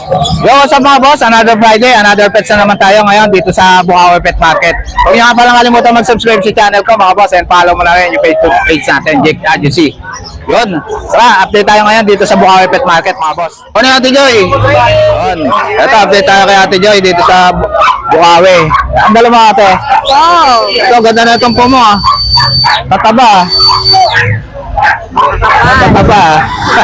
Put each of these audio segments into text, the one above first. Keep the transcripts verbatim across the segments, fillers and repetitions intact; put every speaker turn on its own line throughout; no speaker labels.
Yo, what's up mga boss? Another Friday, another pets na naman tayo ngayon dito sa Bukawi Pet Market. Huwag niyo nga palang kalimutan mag-subscribe sa channel ko mga boss and follow mo na rin yung Facebook page natin, Jake Agency. Yun. Tara, update tayo ngayon dito sa Bukawi Pet Market mga boss. Ano yung Ate Joy? Yun. Ito, update tayo kay Ate Joy dito sa Bukawi. Ang dala mo ate.
Wow!
Ito, ganda na itong po mo ah. Tataba ah. Tataba ah.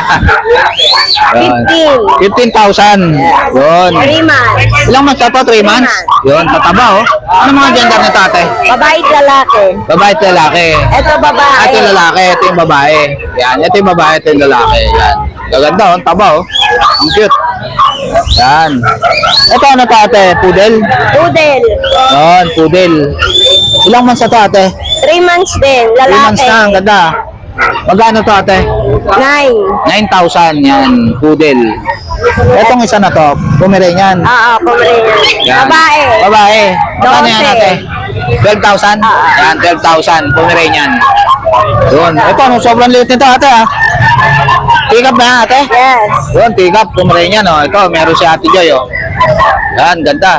fifteen.
fifteen thousand. Yun.
three months.
Ilang months ka to? three months? Yun, tataba oh. Ano mga gender nito ate?
Babae at lalaki.
Babae at lalaki.
Ito babae.
Ito yung lalaki, ito yung babae. Yan, ito yung babae, ito yung lalaki. Yan. Gaganda oh, taba oh. Ang cute. Yan. Ito ano to ate? Poodle?
Poodle.
Yun, poodle. Ilang months na to ate?
three months din.
three
Lalaki.
months na, ang ganda. Magkano to ate?
nine.
nine thousand yan, poodle. Etong isa na to, Pomeranian.
Oo, Pomeranian.
Yan.
Babae.
Babae. Magkano yan
Dose.
ate? twelve thousand? Yan, twelve thousand, Pomeranian. Yun. Ito, ano, sobrang liit nito ate ha. Tigap na ate?
Yes.
Yun, tigap, Pomeranian oh. Ito, meron si Ate Joy oh. Yan, ganda.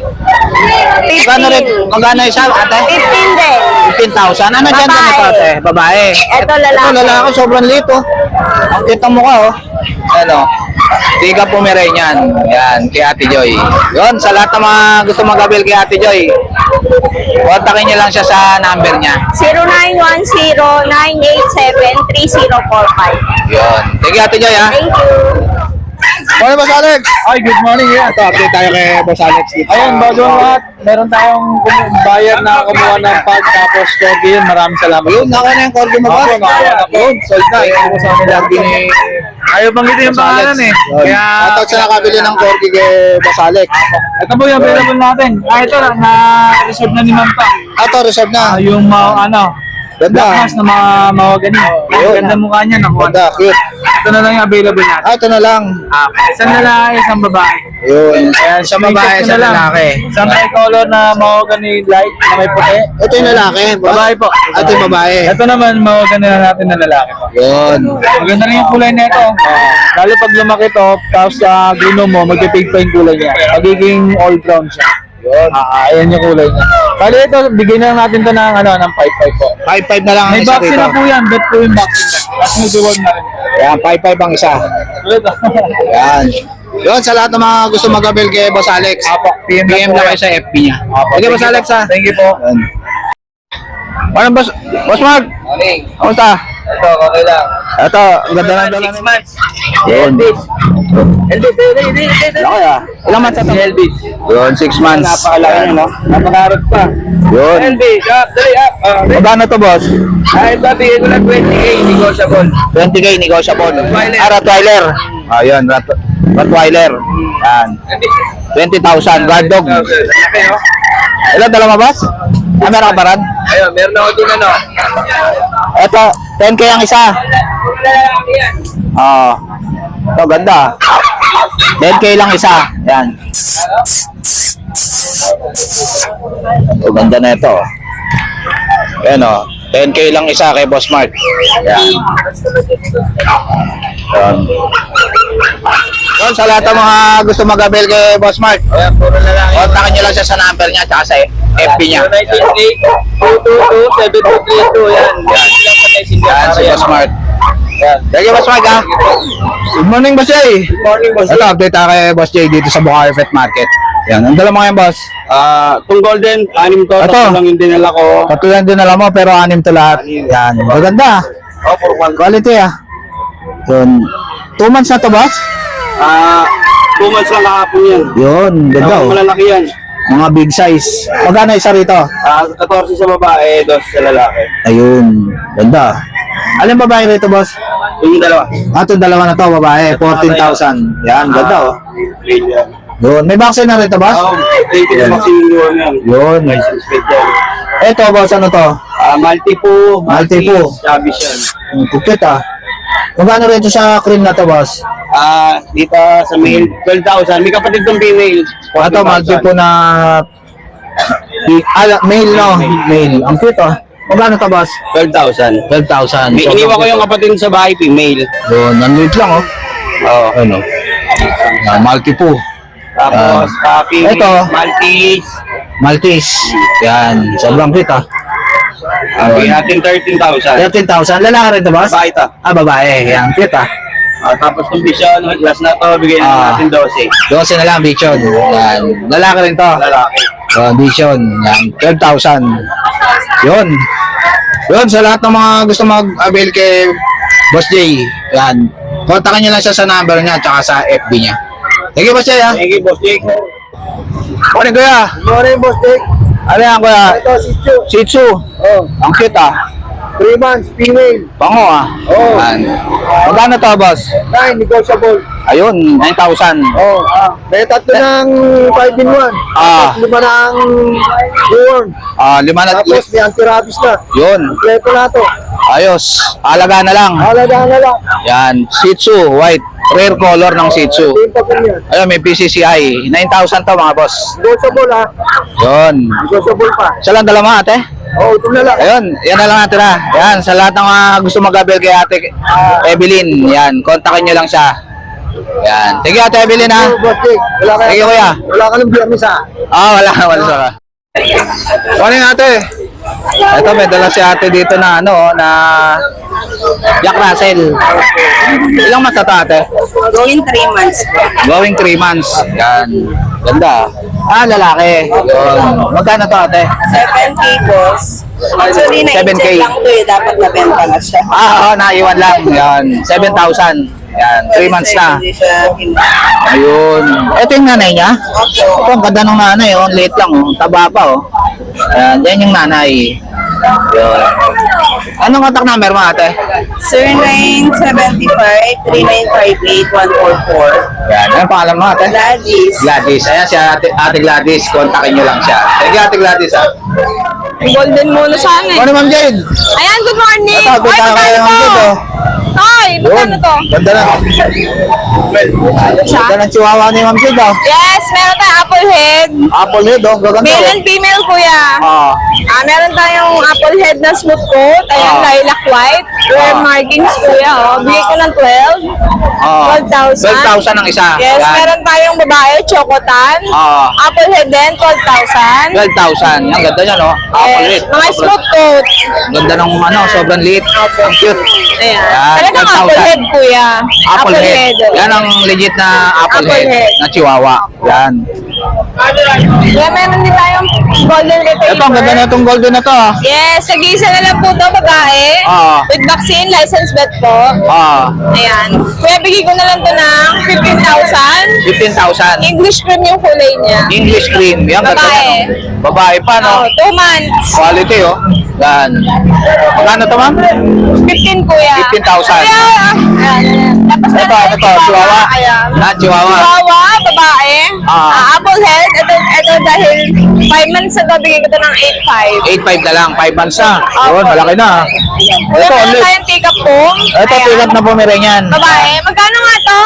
Magkano rin?
fifteen.
Magkano isa ate?
fifteen din.
fifteen thousand. Ano dyan
Babae.
nito ate? Babae.
Ito lalaki.
Ito lalaki, sobrang liit oh. Ang cute ang mukha oh. Ano? Tiga Pomeranian. Yan, kay Ate Joy. Yun, sa lahat ng mga gusto mag-avail kay Ate Joy, kontakin niyo lang siya sa number niya.
zero nine one zero nine eight seven three zero four five.
Yun. Sige Ate Joy ha.
Thank you.
Morning Boss Alex. Ay, good morning. Yeah. Ito, update tayo kay Boss Alex dito.
Ayun, bago ang lahat, meron tayong kum- buyer na kumuha ng pag tapos corgi yun. Maraming salamat.
Yun, naka na yung corgi mo ba?
Opo, nakakuha na po.
Yun, sold na. Ito ko sa amin lagi ni
Ayaw banggitin yung
Boss Alex.
pangalan eh.
Yun.
Kaya,
Shoutout sa nakabili ng corgi kay Boss Alex.
ito po yung available natin. Ah, ito na, na-reserve na ni Ma'am pa.
Ito, reserve na.
Ah, yung ma- ano,
Ganda.
black mask na mga mawagani.
Yun.
Ganda mukha niya, nakuha.
Ganda, cute.
Ito na lang yung available natin.
Ah, ito na lang.
Ah, isang lalaki, isang babae.
Yun. Sa babae, sa lalaki.
Isang tricolor na mahogany light na may puti.
Ito yung lalaki. boss.
Babae po.
Ah, ito yung babae.
Ito naman, mahogany na natin na lalaki po.
Yun.
Maganda rin yung kulay nito. Lalo pag lumaki to, tapos sa glino mo, magpipig pa yung kulay niya. Magiging all brown siya.
Yun.
Ah, ayan yung kulay niya. Bali ito, bigyan na lang natin to ng ano, ng five five po.
five five na lang ang
May
isa
vaccine
dito.
na po yan, bet po yung vaccine. Tapos may reward na rin.
Yan, five five ang isa. Yan. Yun, sa lahat ng mga gusto mag-avail kay Boss Alex.
Apo, P M
P M
po
na
yan.
kayo sa F B niya.
Apo,
Sige,
thank
Boss
you
Alex
po.
ha.
Thank you po.
Yan. Ano, Boss? Boss Mark?
Morning.
Kamusta?
Ito, okay lang.
Ito, ang ganda ng dala
Six
ni
months.
Yun.
Elvis. Elvis, Elvis, Elvis.
Laki ah. Ilang months na to?
Elvis.
Yun, six months.
Napakalaki niya, no? Napakarap pa.
Yun.
Elvis, up, dali up. Uh,
Magkano to, Boss?
Ay, babi, ito lang twenty K, negotiable.
twenty K, negotiable.
Rottweiler.
Ah, Rottweiler. Ah, yun, Rott Rottweiler. Yan. twenty thousand, guard dog.
Laki, no?
Ilan dala mo, Boss? Ah, meron ka ba ran?
Ayun, meron ako din, ano?
Ito, ten K ang isa.
Lalaki yan.
Ah. Ito, ganda. ten K lang isa. Yan. Ito, ganda na ito. Yan o. ten K lang isa kay Boss Mark. Yan. Yan. Yun, sa lahat ng mga gusto mag-avail kay Boss Mark,
Ayan, puro lalaki.
kontakin nyo lang siya sa number niya at sa F B niya.
zero nine eight two two two seven two three two, yan. Yan, yan pa tayo sindihan
Yan,
para
si
yan.
Boss Mark.
Yan.
Thank you, Boss Mark, ha? Good morning, Boss Jay.
Good morning, boss.
Ito, update tayo kay Boss Jay dito sa Bukawi Pet Market. Yan, ang dala mo ngayon, Boss.
Ah, itong golden, anim to,
Ito.
tatlo lang yung dinala ko.
Katulad din alam mo, pero anim to lahat. Yan, maganda.
Oh, for one.
Quality, ah. Yun. Two months na to, Boss?
Ah, two months lang kahapon yan.
Yun, ganda,
Ako
oh.
malalaki yan.
Mga big size. Magkano isa rito?
Ah, fourteen sa babae, dos sa lalaki.
Ayun, ganda. Alin babae rito, Boss?
Yung dalawa.
Ah, itong dalawa na to, babae. fourteen thousand. Yan, ganda, oh.
Grade yan.
Yun. May vaccine na rito, Boss?
Oh, grade yung vaccine yun yan.
Yun.
License plate yan.
Ito, Boss, ano to?
Ah, Maltipo,
Maltipo.
Chavez yan.
Ang kupit, ah. Magkano rito sa cream na to, Boss?
Ah, dito sa male, twelve thousand. May kapatid kong female.
Ito, multi po na ah, male, no? Male. Ang cute, oh. Magkano to, Boss?
twelve thousand.
twelve thousand.
May iniwan ko yung kapatid sa bahay, female.
Yun, ang liit lang, oh.
Oo.
Ano? Yan, Maltipoo.
Tapos,
Ah.
Puppy,
Ito.
Maltese.
Maltese. Yan, sobrang cute ah.
Bigyan natin thirteen thousand.
thirteen thousand. Lalaki rin to, boss?
Babae ito.
Ah, babae. Yan, cute ah.
Ah, tapos yung vision, yung glass na to, bigyan
Ah.
natin twelve.
twelve na lang, Vision. Yan. Lalaki rin to.
Lalaki.
Yan, Vision. Yan, twelve thousand. Yun. Yun, sa lahat ng mga gusto mag-avail kay Boss J, yan. Kontakin nyo lang siya sa number niya at saka sa F B niya. Thank you, Boss J, ha?
Thank you, Boss Jake.
Morning, kuya.
Morning, boss Dick.
Ano yan, kuya?
Ito, si Chu.
Shih Tzu.
Oh,
Ang cute, ah.
three months, female.
Bango, ah.
Oh.
Yan. Magkano to, boss?
Nine, negotiable.
Ayun, nine thousand.
Oh, ah. May tatlo ng five in one.
Ah.
Tapos lima ng newborn.
Ah, lima na.
Tapos may anti-rabies na.
Yun.
Kompleto na to.
Ayos. Alaga na lang.
Halaga na lang.
Yan. Shih Tzu, white. Rare color ng Shih Tzu.
Same pa po yan.
Ayun, may P C C I. nine thousand to, mga boss.
Negotiable ha.
Yun.
Negotiable pa.
Isa lang dalawa, ate.
Oh, ito na lang.
Ayun, yan na lang natin ha. Yan, sa lahat ng mga gusto mag-avail kay ate Evelyn, yan, kontakin nyo lang siya. Yan. Thank you, ate Evelyn, ha.
Oh, boss Dick. Wala ka
Thank you, kuya.
Wala ka ng biyernes ha.
Ah, wala, wala sa ka. Morning, ate. Ito, may dala si ate dito na, ano, na Jack Russell. Ilang months na to, ate?
Going three months po.
Going three months. Yan. Ganda. Ah, lalaki. Yun. Magkano to, ate?
seven K boss. Actually,
seven K.
na-check lang to eh. Dapat nabenta na siya.
Ah, oo, naiwan lang. Yan. seven thousand. Yan. three months na.
Hindi siya gina-
Ayun. Ito yung nanay niya. Ito, ang ganda ng nanay, oh. Late lang, oh. Taba pa, oh. Ayan, yan yung nanay. Yun. Anong contact number mo, ate?
zero nine seven five, three nine five eight, one four four.
Yan. Anong pangalan mo, ate?
Gladys.
Gladys. Ayan si ate, ate Gladys. Kontakin nyo lang siya. Thank you, ate Gladys, ha.
Golden muna sana eh.
Ano, Ma'am Jade?
Ayan, good morning.
Ito, good
Ay,
na kayo, Ma'am Jade, oh.
Ay,
Yun.
magkano to?
Ganda na. Ganda ng chihuahua ni Ma'am Jade, oh.
Yes, meron tayong apple head.
Apple head, oh. Gaganda,
Male
oh.
and female, kuya.
Ah.
Ah, meron tayong apple head na smooth coat. Ayan,
Ah.
lilac white. Rare
Ah.
markings, kuya. Oh. Bigay ko ng twelve.
Ah.
twelve thousand.
twelve thousand ang isa.
Yes,
Yan.
meron tayong babae, chocotan.
Ah.
Apple head din, twelve thousand.
twelve thousand. Ang ganda niya, no? Apple head.
Yes, mga smooth coat.
Ganda ng ano, sobrang liit. Ang cute.
Ayan.
Yan,
Talagang
twelve
apple
thousand.
head, kuya.
Apple, head. Yan ang legit na apple,
Apple
head,
head.
na chihuahua. Yan.
Kaya meron din tayong golden retriever.
Ito, ang ganda na itong golden na to. ah.
Yes, nag-iisa na lang po ito, babae.
Ah.
With vaccine, license vet po.
Ah,
Ayan. Kuya, bigay ko na lang ito ng fifteen thousand.
fifteen thousand.
English cream yung kulay niya.
English cream. Yan, ganda
Babae.
niya, no? Babae pa, no?
Oh, two months.
Quality, oh. Yan. Magkano to, ma'am?
fifteen, kuya.
fifteen thousand.
Kuya, ayan, ayan. Tapos
Ito,
meron
ito,
tayong
chihuahua.
Ayan.
Na, chihuahua.
Chihuahua, babae.
Ah.
Ah, apple head. Ito, ito dahil five months na ito, bigay ko ito ng eight five.
eight five na lang. five months na. Yun, malaki na. ah.
Kuya,
Ito,
meron
ulit.
tayong take-up po.
Ito,
Ayan.
pilat na Pomeranian.
Babae. Magkano nga to?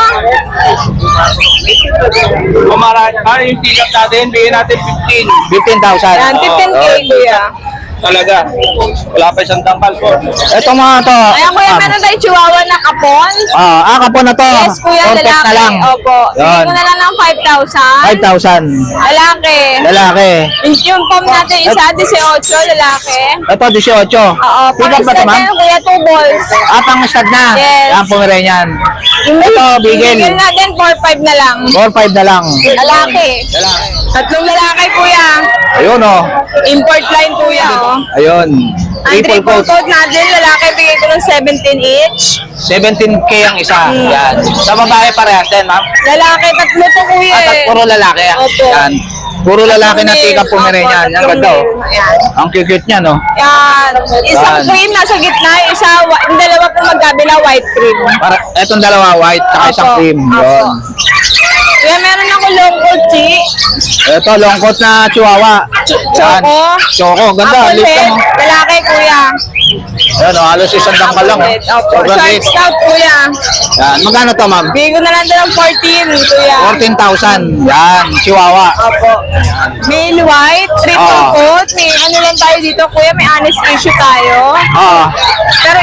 Kumara, ano yung tigat natin? Bigyan natin fifteen.
fifteen thousand.
Ayan, fifteen K,
Oh.
kuya.
Talaga. Wala pa isang tangkal po.
Ito mga to.
Ayan, kuya,
ma'am.
meron tayong chihuahua na kapon.
Ah, ah, kapon na to.
Yes, kuya,
Contact
lalaki.
na lang.
Opo. Bigay
Yun.
ko na lang ng five thousand.
five thousand.
Lalaki.
Lalaki.
Yung pom natin isa, eighteen, lalaki.
Ito, eighteen.
Oo,
Pick up ba ito,
pang-stud
ma'am?
na yun, kuya, two balls.
Ah, pang stud na.
Yes.
Yan, Pomeranian. Ito,
Yung
bigel.
bigel natin, four five na lang.
four five na lang.
Lalaki.
Lalaki.
Tatlong lalaki, kuya.
Ayun, oh.
Import line, kuya, oh.
Ayun.
Ang
Triple
triple
coat.
coat natin, lalaki, bigay ko ng seventeen each.
seventeen K ang isa.
Hmm.
Yan. Sa babae parehas din, ma'am.
Lalaki, tatlo to, kuya.
At at
eh.
puro lalaki. ah.
Opo.
Yan. Puro lalaki na
Tatlong
tika
male.
Pomeranian.
Opo,
Yan, ganda, oh.
tatlong male. Ayan.
Ang cute-cute niya, no?
Yan. Isang
Yan.
cream nasa gitna, isa, wa- yung dalawa po magkabila, white cream.
Para, etong dalawa, white, saka isang
Opo.
cream.
Opo.
Yun.
Kaya meron ako long coat, chi.
Ito, long coat na chihuahua. Yan.
Choco.
Choco. Ganda.
Apple
Liit
head,
lang, oh.
lalaki, kuya.
Yan, oh. Halos isang dangkal lang, oh.
Apple head, Opo.
Sobrang
Short
liit.
scout, kuya.
Yan. Magkano to, ma'am?
Bigay ko na lang doon ng fourteen, kuya.
fourteen thousand. Yan. Chihuahua.
Opo. Male white, triple
Ah.
coat. May ano lang tayo dito, kuya. May honest issue tayo.
Ah.
Pero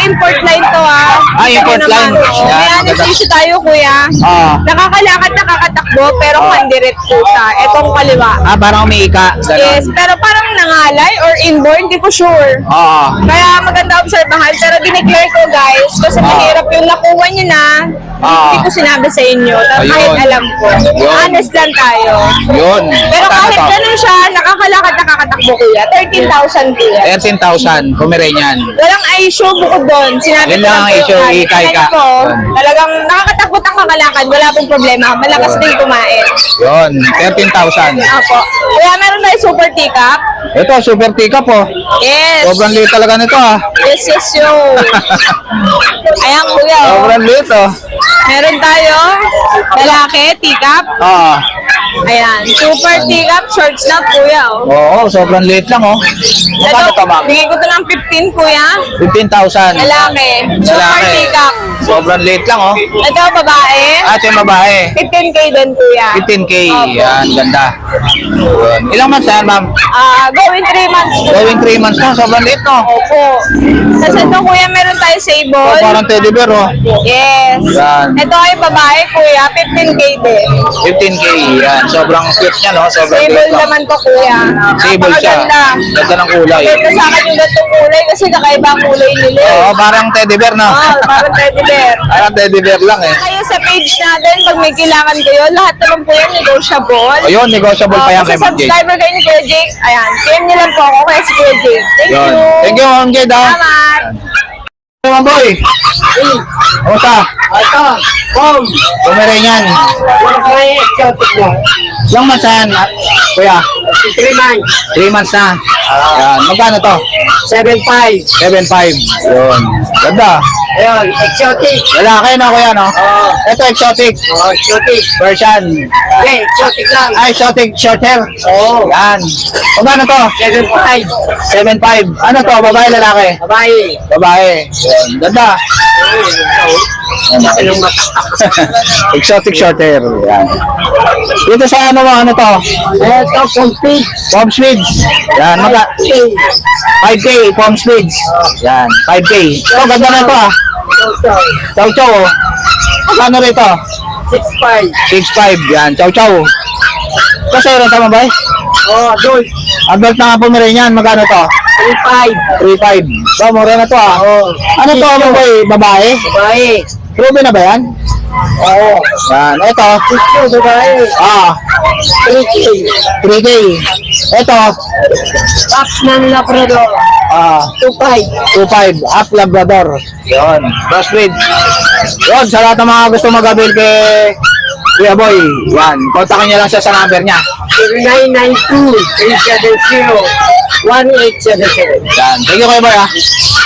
import line to ah.
Ah, import
Ito
line.
naman.
Yan,
May
maganda.
anesthesia tayo kuya.
Ah.
Nakakalakad, nakakatakbo, pero
Ah.
kandiret po siya. Itong kaliwa.
Ah, parang umiika. Ganon.
Yes, pero parang nangalay or inborn, di ko sure.
Oo.
Kaya maganda obserbahan, pero dineclare ko guys, kasi
Ah.
mahirap yung nakuha nyo na,
Ah.
hindi ko sinabi sa inyo,
Ayun.
kahit alam ko.
Yun.
Honest lang tayo.
Yun.
Pero
Magkano
kahit
to?
ganun siya, nakakalakad, nakakatakbo kuya, thirteen thousand kuya.
thirteen thousand, Pomeranian.
Walang issue bukod doon. Sinabi
Yun
ko
lang ang
po
issue,
yan.
ika-ika.
Tingnan ko,
Yun.
talagang nakakatakbo ang kakalakad, wala pong problema. Malakas din kumain.
Yun, thirteen thousand.
Apo. Kaya meron tayo super teacup.
Ito, super tika po.
Yes.
Sobrang liit talaga nito ah.
Yes, yes, yo. Ayan, kuya. oh.
Sobrang liit oh.
Meron tayo, lalaki, teacup.
Ah.
Ayan, super teacup, short snap, kuya. Oh.
Oo, sobrang liit lang oh. Magkano to, ma'am?
bigay ko to ng fifteen, kuya.
fifteen thousand.
Lalaki, super
Lalaki.
teacup.
Sobrang liit lang oh.
Ito, babae.
Ah, ito yung babae.
fifteen K din, kuya.
fifteen K.
Opo.
Yan, ganda. Yun. Ilang months na yan, ma'am?
Ah, going three months. kuya.
Going three months na. Sobrang liit no.
Opo. Tapos ito, kuya, meron tayo
Oh,
sable.
parang teddy bear oh.
Yes.
Yan.
Ito ay babae, kuya, fifteen K din.
fifteen K. Yan, sobrang cute niya no. Sobrang
Sable
liit no.
naman to, kuya.
Sable siya.
Napakaganda.
Ganda ng kulay.
Ito sa akin yung gantong kulay kasi kakaiba ang kulay nila. eh.
Oo, parang teddy bear no.
Oh, parang teddy bear.
Parang teddy bear lang eh.
Kayo sa page natin, pag may kailangan kayo, lahat naman po yan negotiable.
Ayun, negotiable pa yan
Oh,
kay
sa
Ma'am Jade.
subscriber kayo ni Kuya Jake, ayan, P M niyo lang po ako kaya si Kuya Jake. Thank
Yun.
you.
Thank you, Ma'am Jade ah.
Salamat.
Hey, Ma'am Boy. Kamusta?
Ito, Pom.
Pomeranian.
May exotic mo.
Ilang months na yan, ah, kuya?
three months.
three months na. Yan. Magkano to?
seven five.
seven five. Yun. Ganda.
Ayun, exotic.
Lalaki na kuya, no?
Oo.
Ito, exotic.
Oh, exotic.
Version.
Hindi, exotic lang.
Ah, exotic short hair.
Oo.
Yan. Magkano to?
seven five.
seven five. Ano to? Babae, lalaki?
Babae.
Babae. Yun. Ganda.
Anong mata?
Exotic short hair. Yan. Dito sa ano mo, ano to?
Ito, complete.
Palm Swedes. Yan. Maga five K, Palm Swedes. Yan. five K. Ito, ganda na ito ah. Chow chow. oh. Magkano rito?
six five.
six five. Yan. Chow chow. Ito sa'yo rin tama ba eh?
Oh, adult.
Adult na nga po meron yan. Magkano to?
three five.
three five. Ba, mura na to ah.
Oh.
Ano to ano ba eh? Babae?
Babae.
Ruby na ba yan?
Oo.
Yan. Ito.
Ito, babae.
Ah.
three K.
three K. Ito.
Box ng Labrador.
Ah.
two five.
two five. Up Labrador. Yun. Crossbreed. Yun. Sa lahat ng mga gusto mag-avail kay Kuya Boy. Yan. Kontakin niya lang siya sa number niya.
zero nine nine two three seven zero one eight seven seven.
Yan. Thank you, Kuya Boy ah.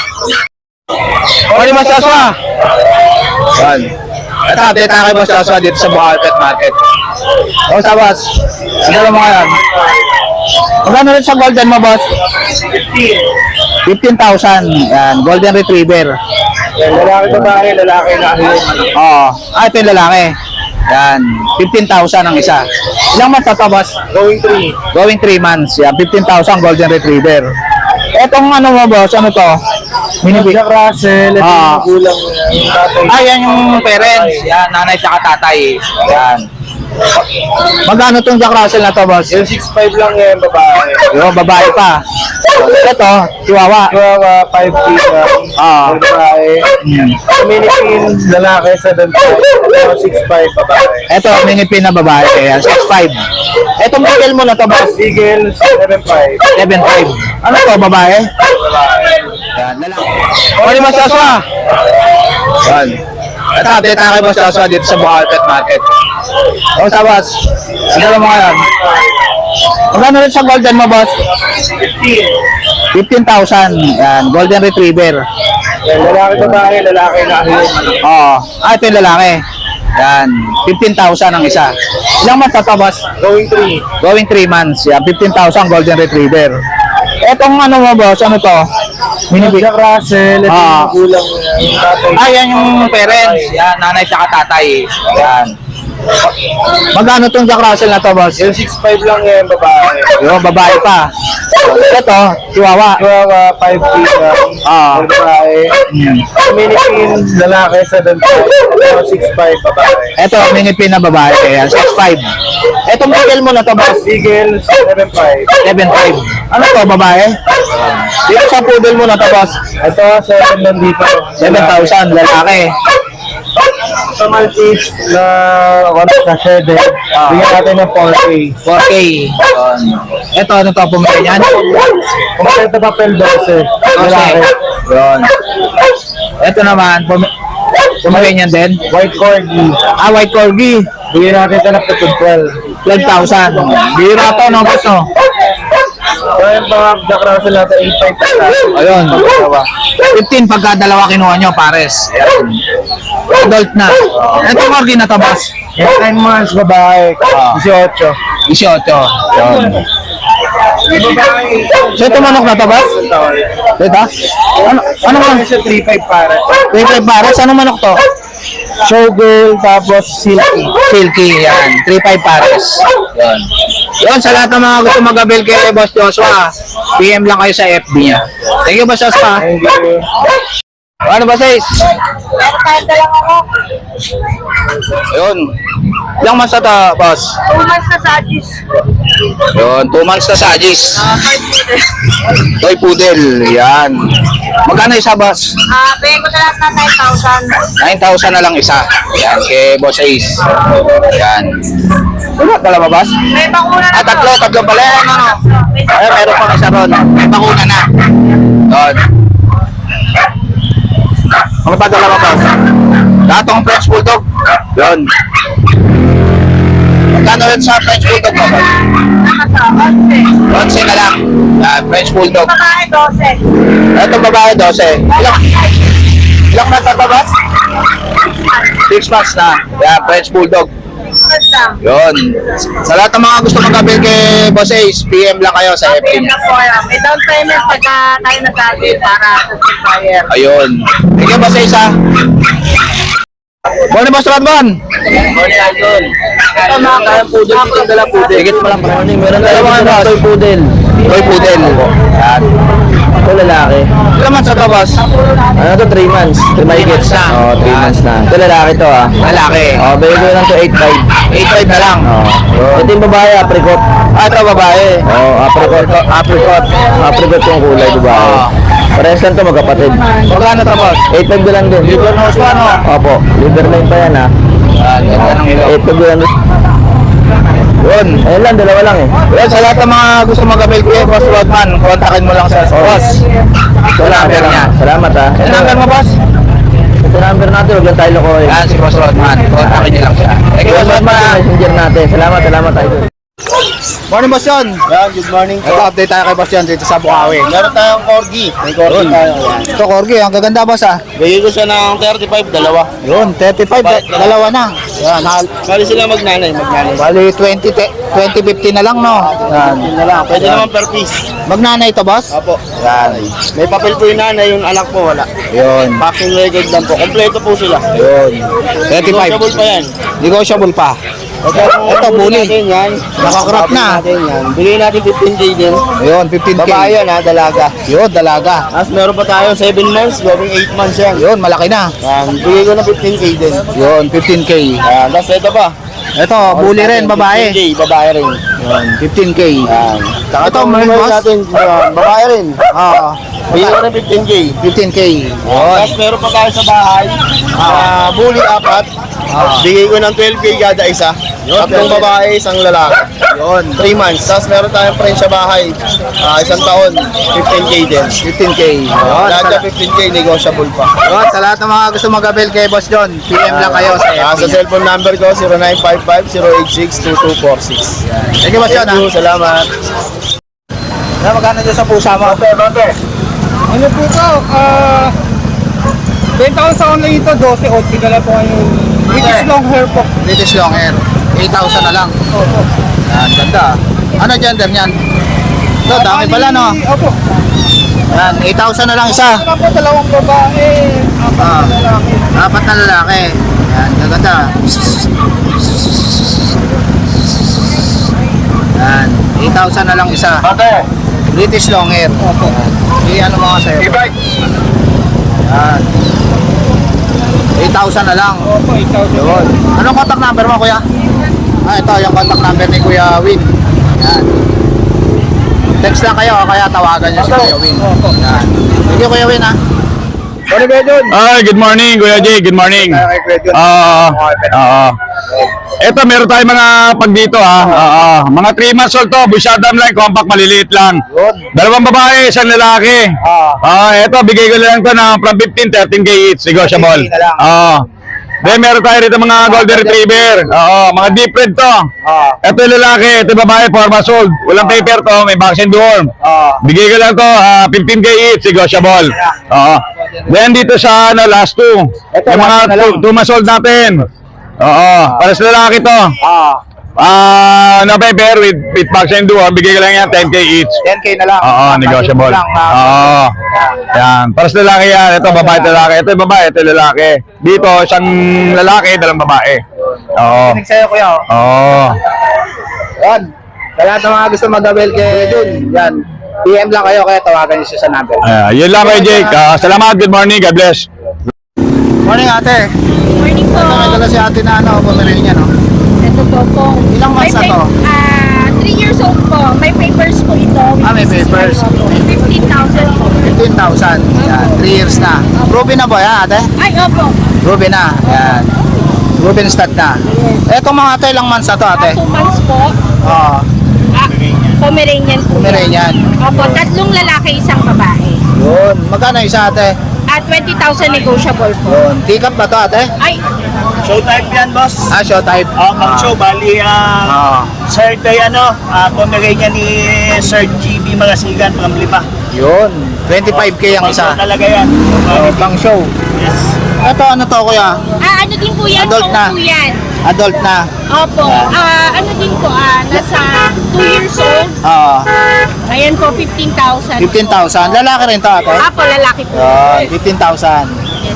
Morning, Mas Joshua. Yan. Ito, update na kay Boss Joshua dito sa Bukawi Pet Market. O, sa boss. Ano mo ngayon? Magkano rin sa golden mo, boss? fifteen thousand. Yan, golden retriever.
Yan, lalaki babae, lalaki na.
Oo. Ah, ito yung lalaki. Yan, fifteen thousand ang isa. Ilang months na to, boss?
Going three.
Going three months. Yan, fifteen thousand golden retriever. Etong ano mo, boss? Ano to? Mini
Jack Russell, ito
Ah.
yung gulang yung tatay.
Ah, yan yung parents. Yan, nanay siya tatay. Yan. Magkano tong Jack Russell na to, boss?
Yung six five lang yan, babae.
Yo, babae pa. Ito, Chihuahua.
Chihuahua, five K lang.
Ah.
Yung babae. Minipin, lalaki, seven five. Ito, six five, babae.
Ito, minipin na babae. Kaya, six five. Etong bigel mo na to, boss?
Eagle, seven five.
seven five. Ano to, babae?
Babae.
Yan, lalaki. Morning, Mas Joshua. Yan. Ito, update na kay Boss Joshua dito sa Bukawi Pet Market. O, sa boss. Ano mo ngayon? Magkano rin sa golden mo, boss?
fifteen.
fifteen thousand. Yan, golden retriever.
Yan, lalaki, babae, lalaki na.
Oo. Ah, ito yung lalaki. Yan, fifteen thousand ang isa. Ilang months na to, boss?
Going three.
Going three months. Yan, fifteen thousand golden retriever. Etong ano mo, boss? Ano to? Mini
Jack Russell, ito
Ah.
yung gulang yung tatay.
Ah, yan yung parents. Yan, nanay siya tatay. Yan. Magkano tong Jack Russell na to, boss?
Yung six five lang yan, babae.
Yung babae pa. Ito, Chihuahua.
Chihuahua, five feet lang.
Ah.
Yung babae. Minipin, lalaki, seven five. six five, babae.
Ito, minipin na babae. Kaya six five. Etong bigel mo na to, boss.
Eagle, seven five.
seven five. Ano to, babae? Dito sa poodle mo na to, boss.
Ito, seven lang dito.
seven thousand, lalaki.
Ito, Maltese na ano na shredded. Bigyan natin ng four K.
four K. Ito, ano to, pumili niyan?
Kompleto papel, twelve. Lalaki.
Yun. Ito naman, pum- pumili niyan din.
White Corgi.
Ah, white corgi.
Bigyan natin ito ng twelve.
twelve thousand. Bira to, no, boss, no?
So, yung mga Jack Russell natin, eight five.
Ayun. fifteen pagka dalawa kinuha nyo, pares. Adult na. Ito corgi na to, boss.
Yung nine months, babae. eighteen.
eighteen. Yun. So, ito manok na to, boss? Ito? Ano, ano manok?
Siya three five para.
three five pares. Anong manok to?
Showgirl, tapos silky.
Silky, yan. three five pares. Yan. Yun, sa lahat ng mga gusto mag-avail kay Boss Joshua, P M lang kayo sa F B niya. Thank you, Boss Joshua.
Thank you.
Ano ba, sis?
Meron tayong dalawang ako.
Yun. Ilang months na to, boss?
Two months na sa Agis.
Yun, two months na sa Agis.
Ah, five minutes.
Toy Poodle, yan. Magkano isa, boss?
Ah, bigay ko na lahat ng nine thousand.
nine thousand na lang isa. Yan, kay Boss Ace. Yan. Wala, dalawa, boss?
May bakuna na
Ah, tatlo,
to.
tatlo pala. Ano, no?
May
Ay, meron pang isa ron. May bakuna na. Yun. Ano pa dalawa, boss? Datong French Bulldog. Yun. Magkano rin sa French Bulldog mo, boss?
nakasa, onse.
onse na lang. Yan, French Bulldog.
Babae, dose.
Itong babae, twelve. Ilang, ilang na ito, boss? six months na. Yan, French Bulldog.
First lang.
Yun. Sa lahat ng mga gusto mag-avail kay Boss Ace, P M lang kayo sa F B
Payment
niya.
na po yan. May down payment pagka tayo nagsabi para sa supplier.
Ayun. Thank you, Boss Ace, ha. Morning, Boss Rodman.
Morning, Idol.
Ito, mga kayang poodle. Dito dala poodle. Higit pa lang.
Morning, meron
Dalawa
tayo
nga,
ng
boss.
toy poodle.
Toy poodle. Yan.
Ito lalaki.
Ilang months na to, boss?
Ano to, three months.
Three months na.
Oo, three
Yan.
months na. Ito lalaki to ah.
Lalaki.
Oo, bigay ko lang to eight five.
eight five na lang.
Oo. Ito yung babae, apricot.
Ah, ito babae.
Oo, apricot. Apricot. Apricot yung kulay, babae.
Oo.
Parehas lang to, magkapatid.
Magkano to, boss?
eight five lang din.
Liver nose pa, no?
Opo, liver line pa yan ah.
Yan, ganda ng ilong.
eight five lang din.
Yun.
Ayun lang, dalawa lang eh.
Yan, sa lahat ng mga gusto mag-avail kay Boss Rodman, kontakin mo lang sa boss. Ito number niya.
Salamat ah.
Ito number mo, boss?
Ito number natin, huwag lang tayo lokohin.
Yan, si Boss Rodman. Kontakin niyo lang siya. Thank you, Boss
Salamat
Rodman.
sa messenger natin. Salamat, salamat tayo.
Morning, Boss John.
Yan, good morning
Ito, update tayo kay Boss John dito sa Bukawi.
Meron tayong corgi. May corgi tayo.
Ito, Corgi. Ang gaganda, boss, ah.
Bigay ko siya ng thirty-five, dalawa.
Yun, thirty-five.
Ba-
Dalawa na. Yan, hal.
Bali sila magnanay, magnanay.
Bali, twenty, fifty na lang, no? Yan.
Yun na lang. Pwede naman per piece.
Magnanay to, boss?
Apo.
Yan.
May papel po yung nanay, yung anak po wala.
Yun.
Vaccine record lang po. Kompleto po sila.
Yun. thirty-five.
Negotiable pa yan.
Negotiable pa.
Ito,
Ito, bully.
natin yan.
Nakakrap na.
Natin yan. Bigay natin fifteen K din.
Yun, fifteen K.
Babae yan ha, dalaga.
Yun, dalaga.
Tapos meron pa tayo seven months, going eight months yan.
Yun, malaki na.
Yan, bigay ko na fifteen K din.
Yun, fifteen K.
Yan, tapos ito pa.
Ito, bully rin, babae.
fifteen K, babae rin.
Yun, fifteen K.
Yan. Saka
Ito,
itong
may
member
boss?
natin, yan, babae rin.
Ah,
Bigay ko na fifteen K.
fifteen K. Yun.
Tapos meron pa tayo sa bahay, ah, bully apat.
Ah.
Bigay ko ng twelve K kada isa. Tatlong babae, isang lalaki.
Yun,
three months. Tapos meron tayong friend sa bahay, ah, isang taon, fifteen K din.
fifteen K. Yun,
Lahat
sa,
na fifteen K, negotiable pa.
yun, sa lahat ng mga gusto mag-avail kay Boss John, P M lang kayo sa
Ah,
F B
sa
niya.
cellphone number ko, zero nine five five, zero eight six, two two four six.
Thank you, Boss John, ha?
Thank you, salamat.
Na, magkano dyan sa pusa mo?
Ano po ito? Ah... benta ko sa online ito, twelve, okay na lang po yung British long hair po.
British long hair. eight thousand na lang.
Opo.
Yan, ganda. Ano gender niyan? Ito, dami pala, no?
Opo.
Yan, eight thousand na lang isa.
Ano po, dalawang babae, apat
Ah.
na lalaki.
Apat na lalaki. Yan, gaganda. Yan, eight thousand na lang isa. British long hair. Yan, ano mga sa'yo? Yan. eight thousand na lang.
Opo, eight thousand.
Yun. Anong contact number mo, kuya? Ah, ito yung contact number ni Kuya Win. Yan. Text lang kayo, kaya tawagan niyo si Kuya Win. Yan. Thank you, Kuya Win, ha?
Ano ba yun?
Ay, good morning, Kuya Jay. Good morning.
Kaya kay Kuya Jun.
Oo. Oo. Ito, meron tayong mga pag dito, ha. Oo. Mga three months old to. Busyadam lang, compact, maliliit lang.
Yun.
Dalawang babae, isang lalaki.
Ah.
Ah, ito, bigay ko lang to ng from fifteen, thirteen K each. Negotiable.
thirteen K na lang.
Oo. Then, meron tayo rito mga golden retriever. Oo, mga deep red to.
Ah.
Ito yung lalaki, ito yung babae, four months old. Walang paper to, may vaccine dorm.
Ah.
Bigay ko lang to, ah, fifteen K each, negotiable. Oo. Then dito sa ano, last two.
Ito,
Yung mga
last na lang.
two months old natin. Oo. Para sa lalaki to.
Ah.
Ah, no paper with, with vaccine dorm, bigay ko lang yan, ten K each.
ten K na lang.
Oo, negotiable.
Lang, ah.
Oo. Yan. Para sa lalaki yan. Ito, babae, ito, lalaki. Ito yung babae, ito yung lalaki. Dito, isang lalaki, dalawang babae. Oo.
Kinig sa'yo, kuya. oh.
Oo.
Yan. Sa lahat ng mga gusto mag-abel kay Jun, yan. P M lang kayo, kaya tawagan niyo siya sa number.
Ah, yun lang kay Jake. Ah, salamat. Good morning. God bless.
Morning, ate.
Morning po.
Ito may dala si ate na ano, Pomeranian, no?
Ito po po.
Ilang months na to?
Ah, three years old po. May papers po ito.
Ah, may papers.
fifteen thousand po.
fifteen thousand. Yan, three years na. Ruby na ba yan, ate?
Ay, opo.
Ruby na. Yan. Ruby stud na. Etong mga ate, ilang months na to, ate?
Ah, two months po.
Oo.
Ah, Pomeranian po. yan.
Pomeranian.
Opo, tatlong lalaki, isang babae.
Yun. Magkano isa, ate?
At twenty thousand negotiable po.
Yun. Tikap ba to, ate?
Ay,
Show type yan, boss.
Ah, show type.
Oh, pang show, bali, ah,
Ah.
Sir Day, ano, ah, Pomeranian ni Sir G B Magasigan, pang lima.
Yun. twenty-five K ang
Pang show
isa.
talaga yan.
Oh, pang show.
Yes.
Ito, ano to, kuya?
ah, ano din po yan?
Adult
Kung
na.
po yan.
Adult na.
Opo. Ah, ano din po, ah, nasa two years old.
Oo.
Ayan po, fifteen thousand.
fifteen thousand. Lalaki rin to, ate?
Apo, lalaki po.
Yun. fifteen thousand.
Yes.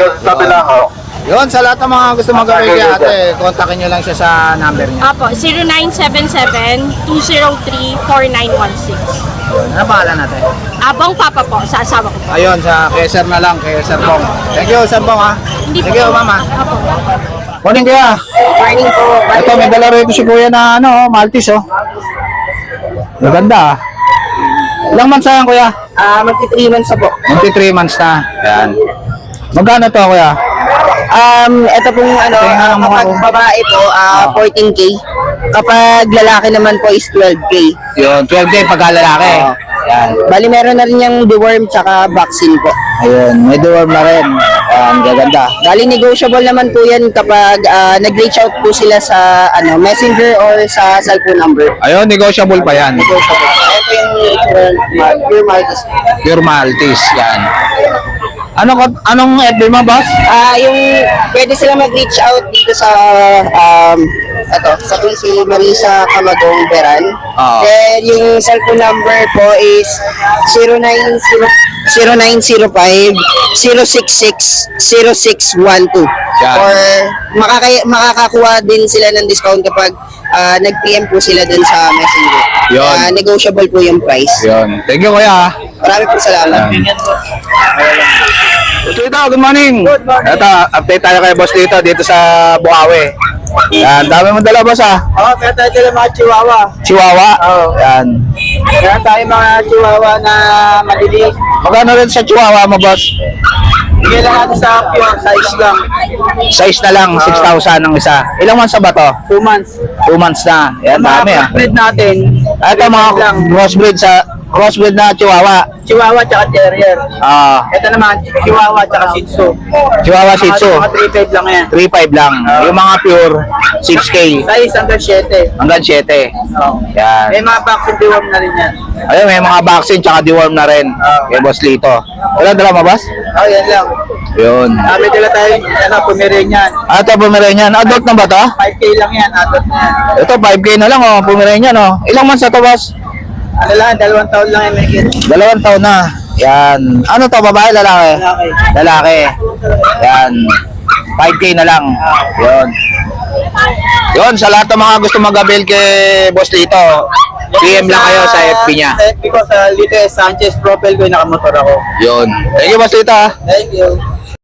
Yun, sa lahat ng mga gusto mag-away kay ate, kontakin nyo lang siya sa number niya.
Apo, zero nine seven seven, two zero three, four nine one six.
Yun. Ano pangalan natin?
Abang Papa po, sa asawa ko po.
Ayun, sa kay Sir na lang, kay Sir Bong. Thank you, Sir Bong, ha?
Hindi
Thank you, mama.
Apo.
Morning, kuya.
Morning po.
Ito, may dala rito si kuya na, ano, Maltese, oh. Maganda, ah. Ilang months na yan, kuya?
Ah, magti-three months na po.
twenty-three months na. Yan. Magkano to, kuya?
Um, ito pong ano,
Tingnan mo
kapag
ako.
babae po, ah, fourteen K. Kapag lalaki naman po is twelve K.
Yun, twelve K pagka lalaki. Yan.
Bali meron na rin yung deworm tsaka vaccine po.
Ayun, may dorm na rin. Yan, gaganda.
Bali negotiable naman po yan kapag ah, nag-reach out po sila sa ano messenger or sa cellphone number.
Ayun, negotiable pa yan.
Negotiable. Ito yung uh, pure Maltese.
Pure Maltese, yan. Anong, anong F B mo, boss?
Ah, yung pwede sila mag-reach out dito sa um ito, sa si Marisa Camagong Beran.
Oo.
Then yung cellphone number po is zero nine zero five, zero six six, zero six one two.
Yan.
Or makaka makakakuha din sila ng discount kapag ah, nag-P M po sila dun sa Messenger.
Yun.
Ah, negotiable po yung price.
Yun. Thank you, kuya.
Maraming po salamat.
So ito, good morning. Ito, update tayo kay boss dito, dito sa Bukawi. Yan, dami mo dala, boss, ah.
Oo, kaya tayo dala mga chihuahua.
Chihuahua.
Oo.
Yan.
Kaya tayo mga chihuahua na maliliit.
Magkano rin sa Chihuahua mo, boss?
Bigyan lang natin sa pure size lang.
Size na lang, six thousand ang isa. Ilang months na ba to?
Two months.
Two months na. Yan, dami, ah.
breed natin,
Ito, mga
lang.
crossbreed sa crossbreed na Chihuahua.
Chihuahua tsaka Terrier.
Ah,
Ito naman, Chihuahua tsaka Shih Tzu.
Chihuahua Shih Tzu.
Mga three five lang yan.
three five lang. Yung mga pure, six K.
Size hanggang seven.
Hanggang seven.
Oh.
Yan.
May mga vaccine deworm na rin yan.
Ayun, may mga vaccine tsaka deworm na rin. Kay Boss Lito. Wala dala mo, boss?
Oh, yan lang.
Yun.
Ah, may dala tayo, ano, Pomeranian.
Ah, ito, Pomeranian. Adult na ba to?
five K lang yan, adult na yan.
Ito, five K na lang, oh. Pomeranian, oh. Ilang months na to, boss?
Ano lang, dalawang taon lang yan, may kit.
Dalawang taon na. Yan. Ano to, babae, lalaki?
Lalaki.
Lalaki. Yan. five K na lang. Yun. Yun, sa lahat ng mga gusto mag-avail kay Boss Lito, P M lang kayo sa F B niya.
Sa F B ko, sa Lito S. Sanchez profile ko, yung nakamotor ako.
Yun. Thank you, Boss Lito. ha.
Thank you.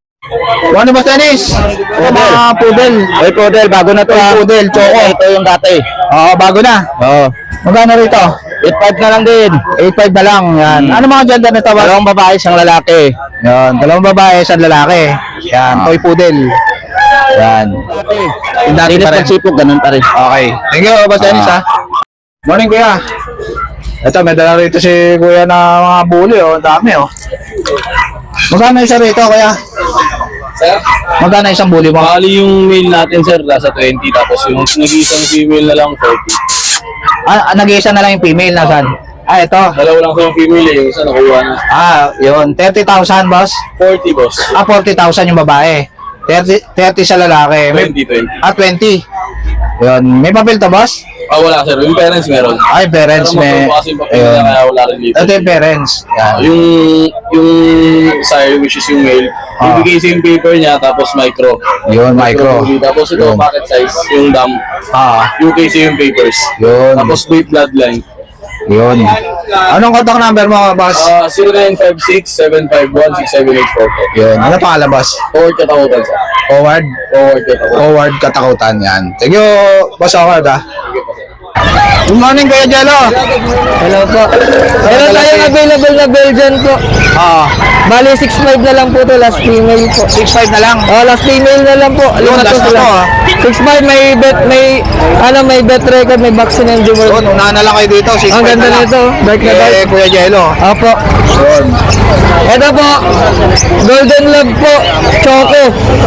Ano Boss Dennis? Ito mga poodle. Ay, poodle. Bago na to. Ay, poodle. Choco. Ito yung dati. Oo, bago na. Oo. Magkano rito? eight five na lang din. eight five na lang. Yan. Ano mga gender nito? Dalawang babae, isang lalaki. Yan. Dalawang babae, isang lalaki. Yan. Toy poodle. Yan. Yung dati pa rin. Ganun pa rin. Okay. Thank you, Boss Dennis, ha. Morning, Kuya. Ito, may dala rito si Kuya na mga bully, oh. Ang dami, oh. Magkano isa rito, Kuya?
Sir?
Magkano isang bully mo?
Bali yung male natin, sir, nasa twenty. Tapos yung nag-iisang female na lang, forty.
Ah, nag-iisa na lang yung female, nasan? Ah, ito.
Dalawa lang ko yung female eh. Yung isa nakuha na.
Ah, yun. thirty thousand, boss?
forty, boss.
Ah, forty thousand yung babae. thirty, thirty sa lalaki. May,
twenty, twenty.
ah, twenty. Yun. May papel to, boss?
Ah, wala, sir. Yung parents meron.
Ay, parents.
Pero
May...
magpapa kasi yung papel
Ayun.
na kaya wala rin dito.
Ito yung parents. Yan.
Yung, yung sire, which is yung male,
Ah.
ibigay sa yung paper niya, tapos micro.
Yun, micro.
Tapos ito,
Yun.
packet size, yung dam.
Ah,
U K C yung papers.
yun.
Tapos weight bloodline.
Yun. Anong contact number mo, boss?
Uh, zero nine five six, seven five one, six seven eight four po.
Yun. Ano pangalan, boss?
Forward katakutan, sir.
Howard?
Forward katakutan.
Howard Katakutan. Yan. Thank you, boss Howard, ha. Good morning, Kuya Jello.
Hello po. Meron tayong available na Belgian po.
Ah,
Bali, six five na lang po to, last female po.
six five na lang.
Oh, last female na lang po.
Yun,
Lima
last na to,
sila.
ah.
six five, may bet, may, ano, may bet record, may vaccine and
Yun,
jewel.
unahan na lang kayo dito. six
Ang
five
ganda
na lang.
nito, dark na dark.
Eh, Kuya Jello.
Opo.
Yun.
Ito po, Golden Love po, Choco.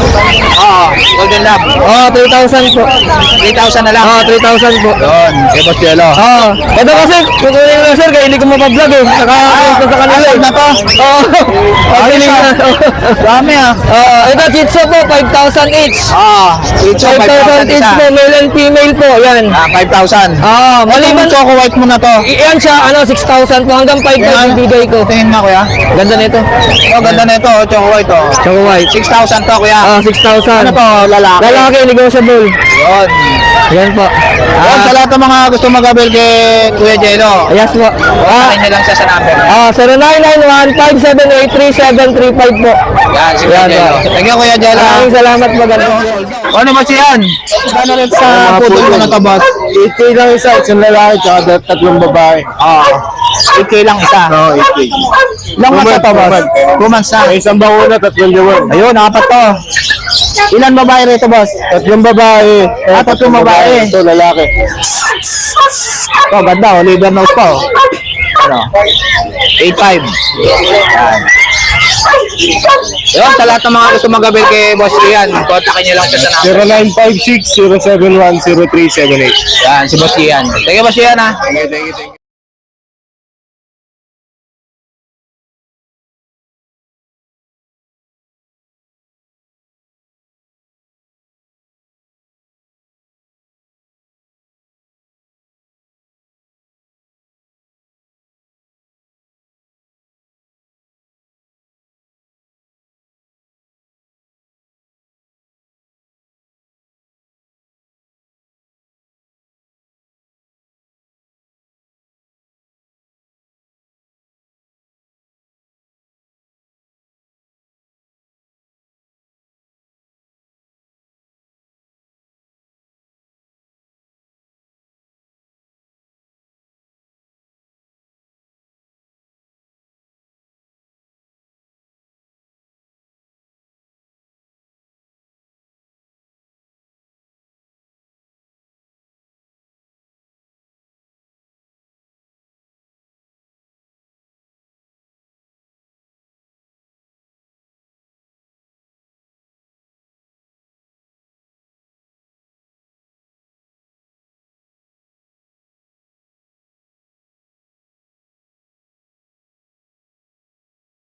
Ah, Golden Lab.
Oh, three thousand po.
three thousand na lang.
Oh, three thousand po.
Yun, kay Boss Jello.
Oh, ito kasi, kukunin ko sir, kaya hindi ko mapablog eh. Naka-post na sa kanila.
Ah, na to?
Oo. Pagpiling
Ayos,
na.
Dami, ah.
Oh, ito, Chitso po, five thousand each.
Ah, ito,
five thousand each po, male and female po, yan.
Ah, five thousand.
Ah,
Maliban
maliban,
choco white mo na to.
I- yan siya, ano, six thousand po, hanggang five thousand bigay ko.
Tingin nga, Kuya.
Ganda nito.
Oh, ganda na ito, oh, choco white, oh.
Choco white.
six thousand to, Kuya.
Ah, six thousand.
Ano to, lalaki?
Lalaki, negotiable.
Yun.
Yan po.
Yun, sa lahat ng mga gusto mag-avail kay Kuya Jello.
Yes po. Ah,
Kontakin niyo lang siya sa number.
ah, zero nine nine one, five seven eight three seven three five po.
Yan, si Kuya
Yan,
Jello.
po.
Thank you, Kuya Jello.
Maraming salamat po, ganda.
Ano ba siyan? Ano rin sa putol mo na to, boss?
eight K lang isa, isang lalaki, tsaka tatlong babae.
Oo. eight K lang isa.
Oo, eight K.
Ilang months na to, boss? two months na.
May isang bakuna, tatlong jawan.
Ayun, apat to. Ilan babae rito, boss?
Tatlong babae.
Ah, tatlong babae.
Ito, lalaki.
Oh, ganda, oh. Liver nose pa, oh. Ano? eight five. Yan. Yun, sa lahat ng mga gusto mag-avail kay Boss Ian, kontakin niyo lang siya sa number.
zero nine five six, zero seven one, zero three seven eight.
Yan, si Boss Ian. Thank you, Boss Ian, ha.
Thank you, thank you, thank you.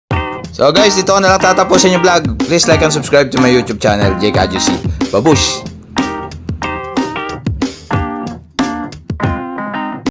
So guys, dito ko na lang tatapusin yung vlog. Please like and subscribe to my YouTube channel, Jake Adjusi. Babush!